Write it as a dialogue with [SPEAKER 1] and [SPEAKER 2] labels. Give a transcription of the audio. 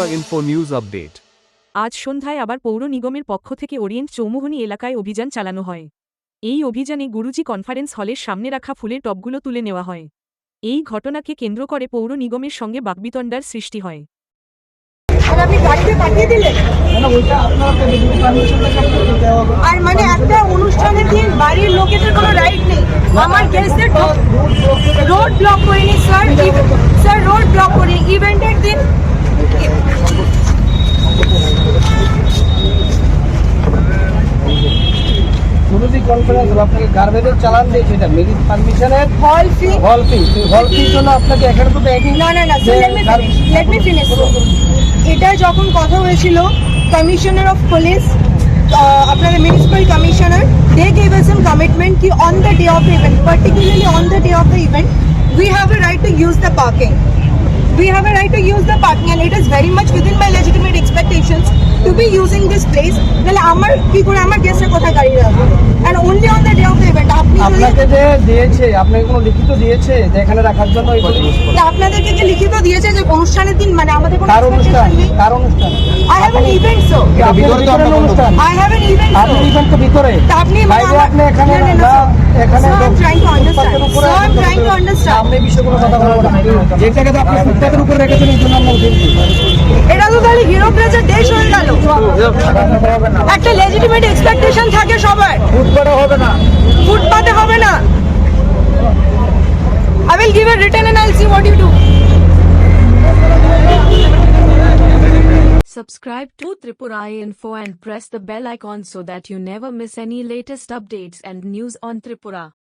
[SPEAKER 1] Tripura Info News Update.
[SPEAKER 2] আজ সন্ধ্যায় আবার পৌর নিগমের পক্ষ থেকে ওরিয়েন্ট চৌমুহনী এলাকায় অভিযান চালানো হয়। এই অভিযানে গুরুজি কনফারেন্স হলের সামনে রাখা ফুলের টবগুলো তুলে নেওয়া হয়। এই ঘটনাকে কেন্দ্র করে পৌর নিগমের সঙ্গে বাকবিতণ্ডার সৃষ্টি হয়।
[SPEAKER 3] আর মানে একটা অনুষ্ঠানের দিন বাড়ির লোকেদের কোনো রাইট নেই। আমার গেস্টদের রোড ব্লক করিনি স্যার, স্যার রোড ব্লক করি ইভেন্টের দিন।
[SPEAKER 4] গুরুজি কনফারেন্স আপনাকে গার্বেজের চালান দিয়েছে, এটা মেরিট পারমিশনের
[SPEAKER 3] হল ফি
[SPEAKER 4] জন্য আপনাকে এখানে তো দেয়নি।
[SPEAKER 3] না লেট মি ফিনিশ। এটা যখন কথা হয়েছিল কমিশনার অফ পুলিশ, আপনাদের municipal commissioner, they gave us some commitment ki on the day of the event, particularly on the day of the event, we have a right to use the parking. We have a right to use the parking and it is very much within my legitimate expectations to be using this place. তাহলে আমার কি করে আমার গেস্টের কোথায় গাড়ি রাখবো? And only on the day of the event.
[SPEAKER 4] আপনাকে যে দিয়েছে, আপনাকে কোনো লিখিত দিয়েছে যে এখানে রাখার জন্য?
[SPEAKER 3] আপনাদেরকে কি লিখিত দিয়েছে যে অনুষ্ঠানের দিন মানে আমাদের কোনো
[SPEAKER 4] কার অনুষ্ঠান?
[SPEAKER 3] I have an event so.
[SPEAKER 4] অনুষ্ঠান
[SPEAKER 3] I have an event so.
[SPEAKER 4] আপনি ইভেন্ট তো ভিতরে
[SPEAKER 3] আপনি
[SPEAKER 4] আপনি এখানে এখানে
[SPEAKER 3] I'm trying to understand. So I'm trying to understand.
[SPEAKER 4] আপনি বিষয়ে কোনো কথা বলবো না। যেটাকে তো আপনি ফুটপাতের উপরে রেখেছেন এই জন্য আমরা উঠেছি।
[SPEAKER 3] এটা তো তাহলে হিরো প্লেজার দেশ হয়ে গেল। একটা লেজিটিমেট এক্সপেকটেশন থাকে সবার।
[SPEAKER 4] ফুটপাতে হবে না,
[SPEAKER 3] ফুটপাতে হবে না। I will give a written and I'll see what you do.
[SPEAKER 5] Subscribe to Tripura Info and press the bell icon so that you never miss any latest updates and news on Tripura.